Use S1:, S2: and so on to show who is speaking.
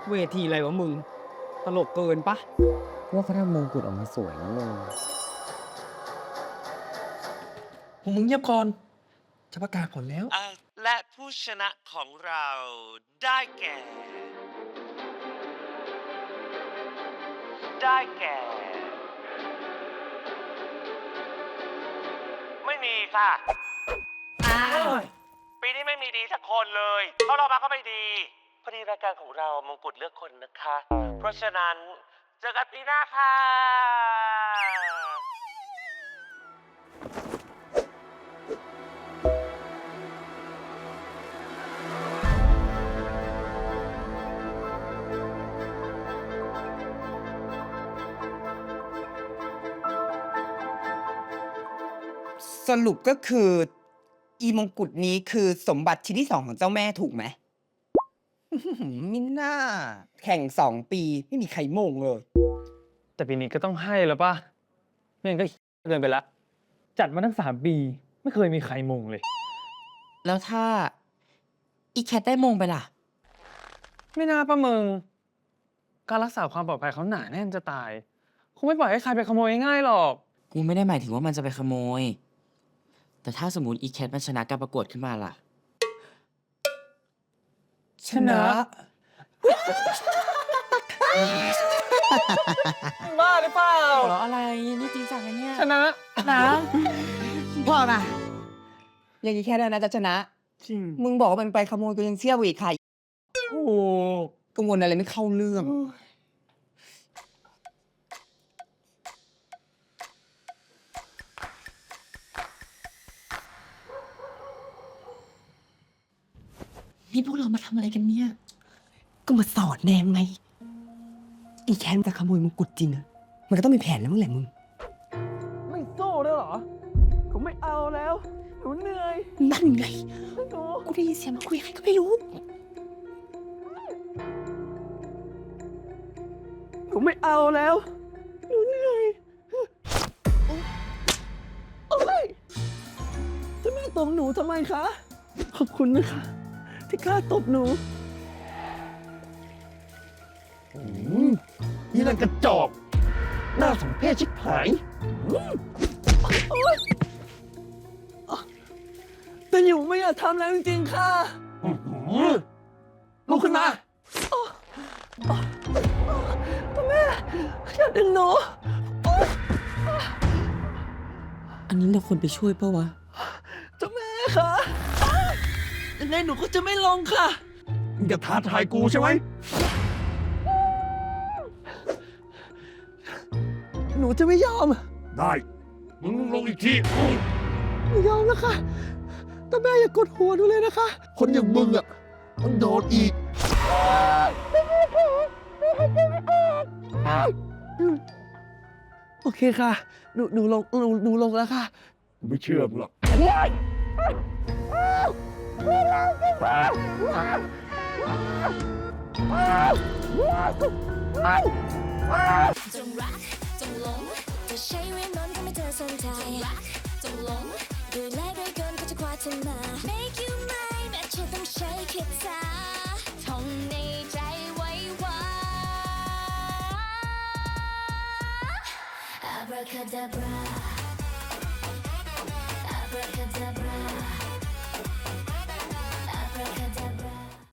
S1: เวทีอะไรวะมึง ตลกเกินปะ
S2: ว่าเขาทำมงกุฎออกมาสวยนะมึง
S3: มึงเงียบก่อน จะประกาศผลแล้ว
S4: และผู้ชนะของเราได้แก่ ไม่มีค่ะปีนี้ไม่มีดีสักคนเลยเพราะเรามาก็ไม่ดีพอดีรายการของเรามงกุฎเลือกคนนะคะ เพราะฉะนั้นเจอกันปีหน้าค่ะ
S5: สรุปก็คือ อีมงกุฎนี้คือสมบัติชิ้นที่ 2ของเจ้าแม่ถูกไหม มิน่า แข่ง2 ปีไม่มีใครมงเลย
S1: แต่ปีนี้ก็ต้องให้แล้วปะไม่งั้นก็เกินไปละ จัดมาตั้ง3 ปีไม่เคยมีใครมงเลย
S2: แล้วถ้าอีแคทได้มงไปล่ะ
S1: ไม่น่าปะมึง การรักษาความปลอดภัยเขาหนาแน่นจะตาย คงไม่ปล่อยให้ใครไปขโมยง่ายๆหรอก
S2: กูไม่ได้หมายถึงว่ามันจะไปขโมย แต่ถ้าสมมติอีแคทมันชนะการประกวดขึ้นมาล่ะ
S5: ชนะ
S1: บ้าหรือเปล่า
S2: หัวเราะอะไร นี่จริงจังนะเนี่ย
S1: ชนะ
S5: นะพ่อนะอย่างนี้แค่นั้นนะจะชนะ
S1: จริง
S5: มึงบอกว่ามันไปขโมยกูยังเชื่ออีกค่ะ
S1: โอ้โห
S5: กังวลอะไรไม่เข้าเรื่อง
S2: นี่พวกเรามาทำอะไรกันเนี่ย
S5: ก็มาสอนแนมไง อีแคนจะขโมยมงกุฎจริงอะมันก็ต้องมีแผนแล้วมั้งแหละมึง
S1: ไม่โซ่ด้วยเหรอ ผมไม่เอาแล้ว หนูเหนื่อย
S5: นั่นไง
S1: หนู
S5: กูได้ยินเสียงมันคุยใครก็ไม่รู้
S1: ผมไม่เอาแล้ว หนูเหนื่อยโอ๊ยจะแม่ตบหนูทำไมคะ ขอบคุณนะคะ ที่กล้าตบหนู
S3: นี่นั่นกระจอกหน้าสมเพชชิบหาย
S1: แต่หนูไม่อยากทำแล้วจริงๆ ค่ะ
S3: ลุกขึ้นมา
S1: แม่อย่าดึงหนู
S2: อันนี้เราควรไปช่วยปะวะ
S1: เจ้าแม่คะยังไงหนูก็จะไม่ลงค่ะ
S3: มึงจะท้าทายกูใช่ไหม
S1: หนูจะไม่ยอม
S3: ได้ มึงลงอีกที
S1: ไม่ยอมแล้วค่ะแต่แม่อย่ากดหัวหนูเลยนะคะ
S3: คนอย่างมึงอ่ะต้องโดนอีก
S1: โอเคค่ะ หนูลงแล้วค่ะ
S3: กูไม่เชื่อมึงหรอก
S6: จงรักจงหลงจะใช้เวทมนต์ทำให้เธอสนใจจงรักจงหลงด้วยแรงด้วยกลก็จะคว้าเธอมา Make you mine แม้เธอต้องใช้คาถาท่องในใจไว้ว่า Abracadabra